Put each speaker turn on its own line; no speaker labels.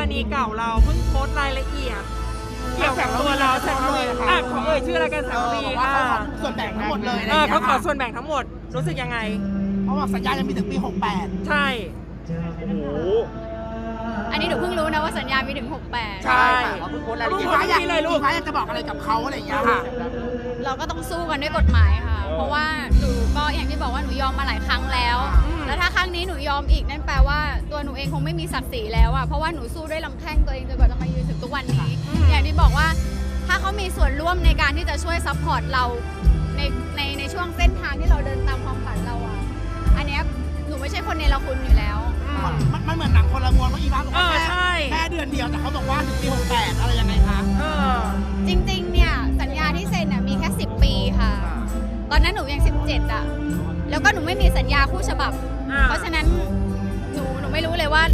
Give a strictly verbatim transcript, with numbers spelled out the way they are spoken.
ณีเก่าเราเพิ่งโพสต์รายละเอียดเกี่ยวกับตัวเราแสงระวีอ่ะขอเอ่ยชื่อรายการแสงระวี
บอกว่า
อ่ะ
เขาขอส่วนแบ่งทั้งหมดเลยอะไร
เอ
อย่าง
อ
เงี้
เขา
ย
ขอ
ค่ะ
ส่วนแบ่งทั้งหมดรู้สึกยังไง
เพราะว่าสัญญายังมีถึงปีหกแปด
ใช่
โอ้โห
อันนี้หนูเพิ่งรู้นะว่าสัญญามีถึงหกแปด
ใช่
เราเพิ่งโพสต์รายละเอียดฟ้าอยากฟ้าอยากจะบอกอะไรกับเขาอะไรอย่างเงี้ยค่ะ
เราก็ต้องสู้กันด้วยกฎหมายค่ะ เพราะว่าหนูก็อย่างที่บอกว่าหนูยอมมาหลายครั้งแล้ว
อืม
แล้วถ้าครั้งนี้หนูยอมอีกนั่นแปลว่าตัวหนูเองคงไม่มีศักดิ์ศรีแล้วอ่ะ เพราะว่าหนูสู้ด้วยลำแข้งตัวเองจนกว่าจะมายืนถึงทุกวันนี้ อย่างที่บอกว่าถ้าเขามีส่วนร่วมในการที่จะช่วยซัพพอร์ตเราในในในช่วงเส้นทางที่เราเดินตามความฝันเราอ่ะ อันเนี้ยหนูไม่ใช่คนเนรคุณอยู่แล้ว
มันมันเหมือนหนังคนละมวลเพราะอีฟ้าบอกว่า
เออใช่
แค่เดือนเดียวแต่เขาบอกว่าถึงปีหกแปดอะไรยังไงคะ
เออ
จริงๆ เนี่ยสัญญาที่เซ็นน่ะมีแค่สิบปีค่ะ ตอนนั้นหนูยังสิบเจ็ดอ่ะ แล้วก็หนูไม่มีสัญญาคู่ฉบับ
อ่า
เพราะฉะนั้นหนูหนูไม่รู้เลยว่า